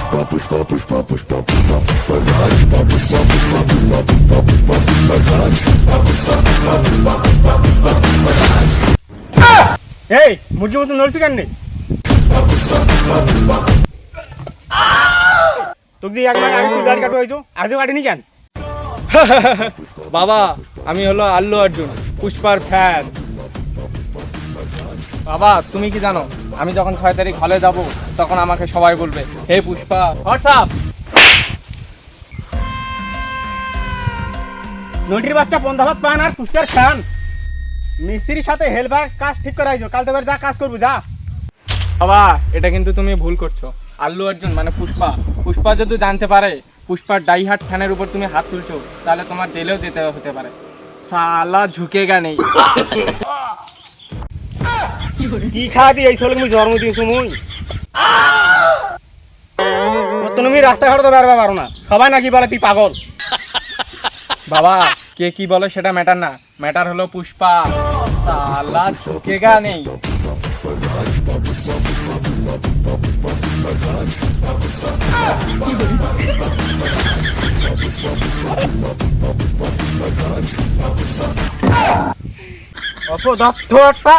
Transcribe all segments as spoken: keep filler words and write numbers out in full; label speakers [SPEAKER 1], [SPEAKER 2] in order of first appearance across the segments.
[SPEAKER 1] এই মুরগি মতো নড়ছি কেন নেই তোকে দিয়ে একবার আগে তুই গাড়ি কাটবো হয়েছো আজও কাটিনি কেন?
[SPEAKER 2] বাবা আমি হলো আল্লু অর্জুন, পুষ্পার ফ্যান। বাবা তুমি কি জানো, আমি যখন ছয় তারিখ হলে যাব তখন আমাকে সবাই বলবে হে পুষ্পা হোয়াটসঅ্যাপ।
[SPEAKER 1] নটির বাচ্চা পন্থা ভাত পান আর পুষ্পার খান মিস্ত্রির সাথে হেল্পার কাজ ঠিক করে আইছো, কাল তো যা কাজ করবো যা।
[SPEAKER 2] বাবা এটা কিন্তু তুমি ভুল করছো, আল্লু অর্জুন মানে পুষ্পা, পুষ্পা যদি জানতে পারে পুষ্পার ডাইহার্ট ফ্যানের উপর তুমি হাত তুলছো তাহলে তোমার জেলেও যেতে হতে পারে। সালা ঝুঁকেগা নেই।
[SPEAKER 1] কি খাওয়া দিয়ে এই ছেলে তুমি জন্মদিন সময় তুমি রাস্তাঘাটে তো বেরোতে পারো না, সবাই নাকি বলে তুই পাগল।
[SPEAKER 2] বাবা কে কি বলে সেটা ম্যাটার না, ম্যাটার হলো পুষ্পা। সালা ঝুঁকেগা নেই।
[SPEAKER 1] অপদত্ত একটা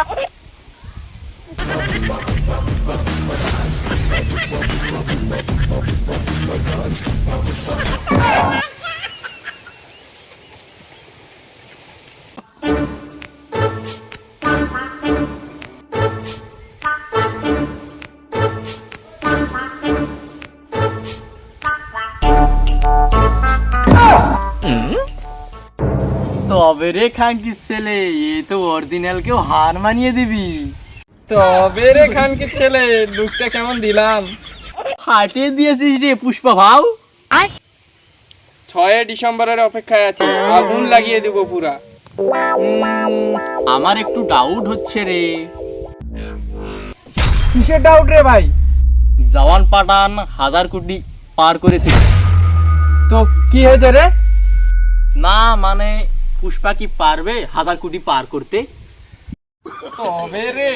[SPEAKER 3] তবে রে খানকির ছেলে, এ তো অরিজিনাল কেউ হার মানিয়ে দিবি।
[SPEAKER 2] তবে রে খানকির ছেলে, লুকটা কেমন দিলাম?
[SPEAKER 3] ফাটিয়ে দিয়েছিস রে পুষ্পা ভাও।
[SPEAKER 2] ছয় ডিসেম্বরের অপেক্ষায় আছি, আগুন লাগিয়ে দেব পুরা।
[SPEAKER 3] আমার একটু ডাউট হচ্ছে রে।
[SPEAKER 2] কিসের ডাউট রে ভাই?
[SPEAKER 3] জওয়ান পাঠান হাজার কোটি পার করেছে।
[SPEAKER 2] তো কি হয়েছে রে?
[SPEAKER 3] না মানে পুষ্পা কি পারবে হাজার কোটি পার করতে?
[SPEAKER 2] তবে রে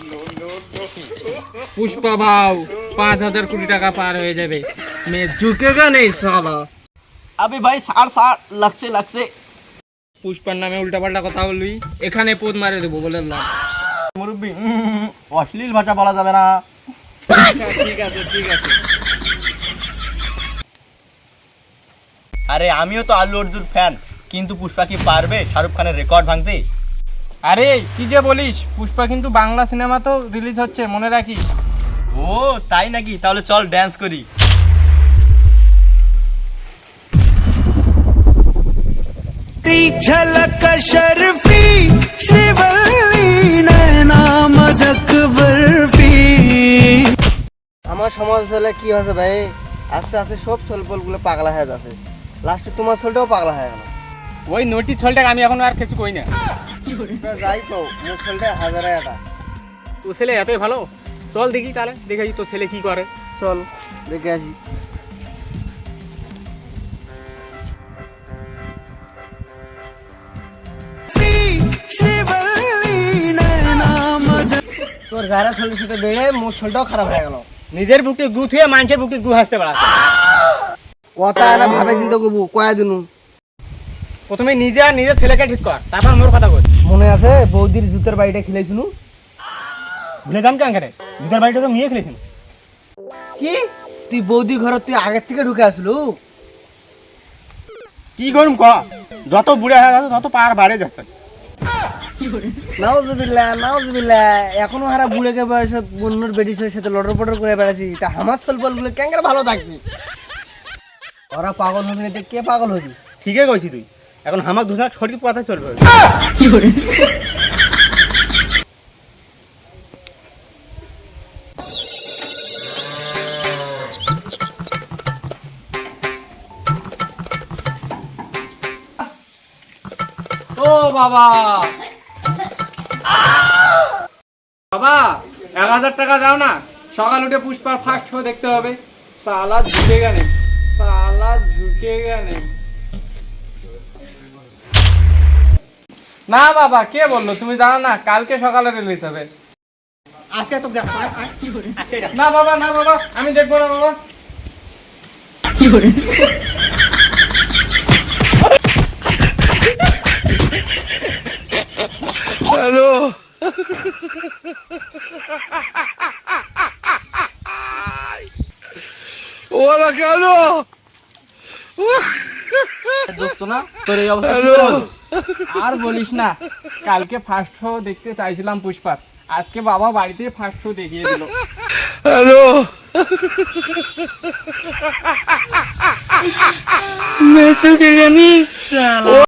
[SPEAKER 2] পুষ্পা ভাও পাঁচ হাজার কোটি টাকা পার হয়ে যাবে। মে ঝুঁকেগা নেই সালা।
[SPEAKER 3] আবে ভাই সার সার লাগছে লাগছে।
[SPEAKER 2] পুষ্পার নামে উল্টাপাল্টা কথা বলবি, এখানে পোদ মারে দেবো বলে না।
[SPEAKER 3] মুরব্বি অশ্লীল ভাষা বলা যাবে না।
[SPEAKER 2] ঠিক আছে ঠিক আছে।
[SPEAKER 3] আরে আমিও তো আল্লু অর্জুন ফ্যান, কিন্তু পুষ্পা কি পারবে শাহরুখ খানের রেকর্ড ভাঙতে?
[SPEAKER 2] আরে কি যে বলিস, পুষ্পা কিন্তু বাংলা সিনেমা তো রিলিজ হচ্ছে, মনে রাখিস।
[SPEAKER 3] ও তাই নাকি? তাহলে চল ড্যান্স করি।
[SPEAKER 4] झलक शर्फी श्रीवल्ली नैना मदक बर्फी।
[SPEAKER 5] আমার সমাজ হলে কি হয়েছে ভাই, আস্তে আস্তে সব ছোলপলগুলো পাগলা হয়ে যাচ্ছে, লাস্টে তোমার ছোলটাও পাগলা হয়ে গেল।
[SPEAKER 2] ওই নটি ছলটাকে আমি এখন আর কিছু কই না।
[SPEAKER 5] যাই তো মোট ছোলটা হাজার একটা।
[SPEAKER 1] তোর ছেলে এতই ভালো, চল দেখি তাহলে দেখি তোর ছেলে কি করে।
[SPEAKER 5] চল দেখে আসি। তোর যারা ছোলের সাথে বেড়ে মোট ছোলটাও খারাপ হয়ে গেল।
[SPEAKER 1] নিজের বুকটি গু থুয়ে মানুষের বুকটি গু হাসতে পারাচ্ছে।
[SPEAKER 5] কথা না ভাবে চিন্তা করবো কয়া দিনু।
[SPEAKER 1] প্রথমে নিজে আর নিজের ছেলেকে ঠিক কর, তারপর মোর কথা কই।
[SPEAKER 5] মনে আছে বৌদির জুতের বাড়িটা খেলেছিনু?
[SPEAKER 1] ভুলে যাম কেন করে, জুতার বাড়িটা তো নিয়ে খেলেছিল।
[SPEAKER 5] কি তুই বৌদি ঘর তুই আগের থেকে ঢুকে আসলু?
[SPEAKER 1] কি করুম ক, যত বুড়া হয়ে যাচ্ছে তত পার বাড়ে যাচ্ছে।
[SPEAKER 5] নাউজুবিল্লাহ নাউজুবিল্লাহ, এখনো হারা বুড়েকে বয়স বন্যর বেডিসের সাথে লটর পটর করে বেড়াচ্ছি, তা আমার সলপল গুলো ক্যাঙ্গার ভালো থাকবি। ওরা পাগল হবি না, কে পাগল হবি?
[SPEAKER 1] ঠিকই কইছি তুই, এখন হামাক দুজনা ছড়ি কথা চলবে।
[SPEAKER 2] ও বাবা বাবা এক হাজার টাকা দাও না, সকাল উঠে পুষ্পার ফার্স্ট শো দেখতে হবে। সালা ঝুঁকেগা নেই, সালা ঝুঁকেগা নেই। না বাবা কে বললো, তুমি জানো না কালকে সকালে রিলিজ হবে।
[SPEAKER 1] আজকে তো দেখ,
[SPEAKER 2] না বাবা না বাবা আমি দেখবো না বাবা। দোস্ত না তোর এই অবস্থা কি করে হলো? আর বলিস না, কালকে ফার্স্ট শো দেখতে চাইছিলাম পুষ্পার, আজকে বাবা বাড়িতে ফার্স্ট শো দেখিয়ে দিল। হ্যালো